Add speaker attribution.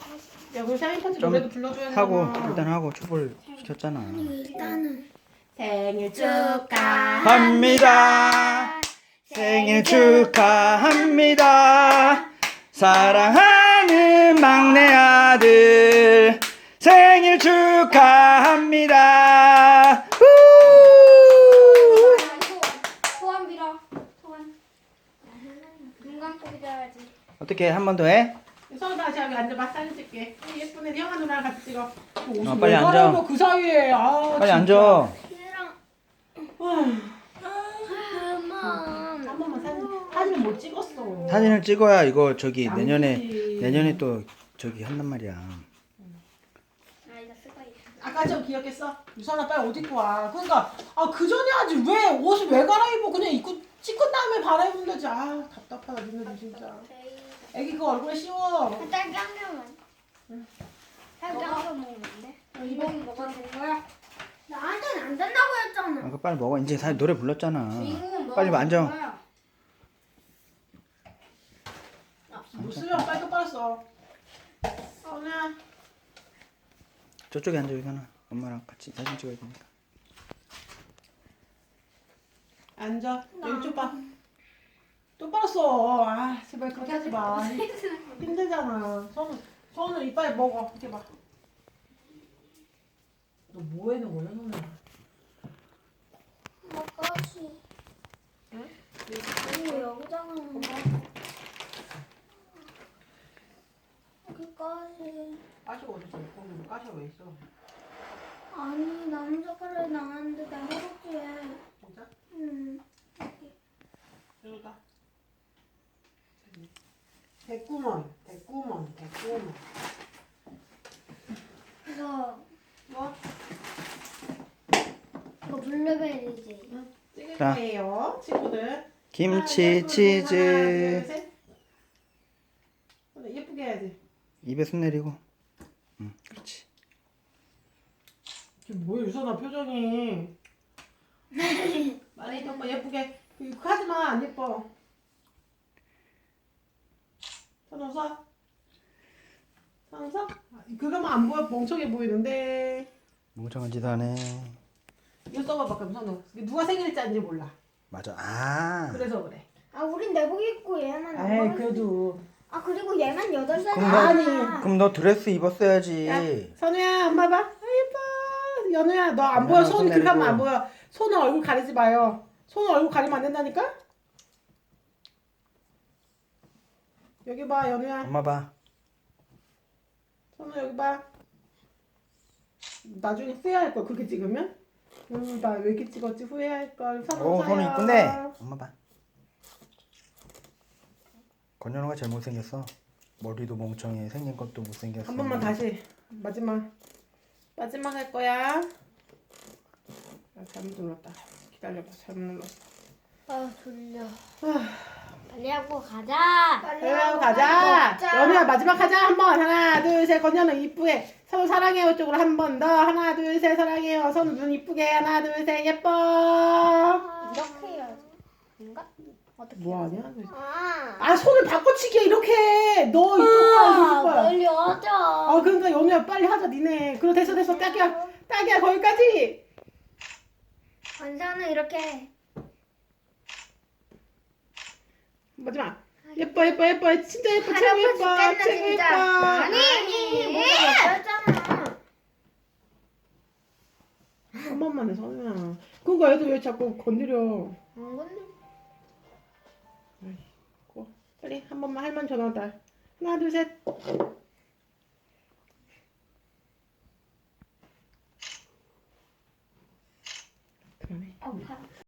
Speaker 1: 야, 그 생일 파티
Speaker 2: 좀
Speaker 1: 노래도 불러줘야 되잖아.
Speaker 2: 하고 일단 하고 촛불 시켰잖아.
Speaker 3: 일단은
Speaker 1: 생일
Speaker 2: 합니다. 생일 축하합니다. 사랑하는 막내 아들 생일 축하합니다. 우!
Speaker 3: 소원 빌어. 소원. 눈 감고 빌어야지.
Speaker 2: 어떻게 한 번 더 해?
Speaker 1: 서로 다시 여기 앉아봐. 사진 찍게. 예쁜 애 형아 누나랑 같이 찍어. 옷을
Speaker 2: 빨리
Speaker 1: 왜
Speaker 2: 앉아.
Speaker 1: 갈아입어, 그 사이에. 아,
Speaker 2: 빨리
Speaker 1: 진짜.
Speaker 2: 앉아.
Speaker 3: 얘랑
Speaker 1: 한
Speaker 3: 그만.
Speaker 1: 번만 사진을 못 찍었어.
Speaker 2: 사진을 찍어야 이거 저기
Speaker 1: 아니지.
Speaker 2: 내년에 또 저기 한단 말이야.
Speaker 3: 아 이거 쓰고 있어.
Speaker 1: 아까 좀 기억했어? 유선아 빨리 옷 입고 와. 그러니까 그 전에 하지 왜 옷을 왜 갈아입어? 그냥 입고 찍은 다음에 갈아입으면 되지. 아 답답하다 니네들 진짜. 애기 그거 얼굴에 씌워.
Speaker 3: 딸기 한 개만. 딸기 한 개 먹는데? 이번 먹어도 되는 거야? 나한테는 안 된다고 했잖아.
Speaker 2: 그거 빨리 먹어. 이제 다 노래 불렀잖아.
Speaker 3: 주인공은
Speaker 2: 빨리
Speaker 3: 먹어도
Speaker 2: 앉아.
Speaker 3: 되는 거야.
Speaker 1: 못 쓰면 빨리 똑바로 써. 선우야.
Speaker 2: 저쪽에 앉아 이거나. 엄마랑 같이 사진 찍어야 되니까.
Speaker 1: 앉아. 왼쪽 봐. 똑바로 써. 아 제발 그렇게 하지 마. 힘들잖아. 선우 이빨 먹어. 이렇게 봐. 너 뭐 해는 거야 선우야?
Speaker 3: 먹어야지.
Speaker 1: 응?
Speaker 3: 오 여기다가 여기까지.
Speaker 1: 까시가 어디 있어? 거기 까시가 왜 있어?
Speaker 3: 아니 남자가를 나왔는데 나 허벅지에.
Speaker 1: 진짜?
Speaker 3: 응.
Speaker 1: 여기다. 대구먼.
Speaker 3: 이거
Speaker 1: 뭐?
Speaker 3: 이거 블루베리지.
Speaker 1: 응. 찍을
Speaker 2: 자.
Speaker 1: 거예요, 친구들.
Speaker 2: 김치,
Speaker 1: 하나,
Speaker 2: 치즈.
Speaker 1: 둘, 셋. 예쁘게 해야지.
Speaker 2: 입에 손 내리고. 응, 그렇지.
Speaker 1: 이게 뭐야 유선아 표정이. 많이 예뻐 예쁘게. 이거 하지 마, 안 예뻐. 선우 서. 선우 서. 그거만 안 보여 멍청해 보이는데.
Speaker 2: 멍청한 짓 하네.
Speaker 1: 이거 써봐봐 그럼 선우. 누가 생일자인지 몰라.
Speaker 2: 맞아. 아.
Speaker 1: 그래서 그래.
Speaker 3: 아 우린 내복 입고 얘만 안
Speaker 1: 에이
Speaker 3: 먹었어.
Speaker 1: 그래도.
Speaker 3: 아 그리고 얘만 8살.
Speaker 2: 그럼
Speaker 1: 아니.
Speaker 2: 그럼 너 드레스 입었어야지.
Speaker 1: 야, 선우야 엄마 봐. 아 예뻐. 연우야 너 안 보여.
Speaker 2: 연우야,
Speaker 1: 손
Speaker 2: 손
Speaker 1: 그렇게 하면
Speaker 2: 내리고.
Speaker 1: 안 보여. 손은 얼굴 가리지 마요. 손은 얼굴 가리면 안 된다니까. 여기 봐 연우야.
Speaker 2: 엄마 봐.
Speaker 1: 선우 여기 봐. 나중에 후회할 걸 그렇게 찍으면. 나 왜 이렇게 찍었지 후회할 걸. 선우
Speaker 2: 오, 손이
Speaker 1: 사요.
Speaker 2: 이쁜데. 엄마 봐. 건현우가 제일 못생겼어. 머리도 멍청해. 생긴 것도 못생겼어.
Speaker 1: 한 번만 다시 마지막 할 거야. 잘못 눌렀다. 기다려봐. 잘못 눌렀어.
Speaker 3: 아 졸려. 빨리 하고 가자.
Speaker 1: 빨리 하고 가자. 연우야 마지막 하자 한번. 하나 둘 셋. 건현우 이쁘게. 선우 사랑해요 쪽으로 한 번 더. 하나 둘 셋 사랑해요. 선우 눈 이쁘게. 하나 둘 셋 예뻐.
Speaker 3: 이렇게 해야지. 뭔가? 어떻게?
Speaker 1: 뭐하냐?
Speaker 3: 아
Speaker 1: 손을 바꿔치기야 이렇게. 너 이쪽 봐 이쪽 봐.
Speaker 3: 빨리 하자.
Speaker 1: 그러니까 연우야 빨리 하자 니네. 그래 됐어 딱이야 거기까지.
Speaker 3: 원사는 이렇게.
Speaker 1: 마지막. 예뻐 진짜 예뻐 최고
Speaker 3: 할아버지
Speaker 1: 예뻐
Speaker 3: 깼네,
Speaker 1: 최고 예뻐.
Speaker 3: 진짜. 아니 뭐가 없잖아.
Speaker 1: 한 번만 해 선우야. 그러니까 애들 왜 자꾸 건드려.
Speaker 3: 안 건들.
Speaker 1: 빨리 한 번만 할머니 전화 왔다. 하나 둘 셋. 그만해.
Speaker 3: 어,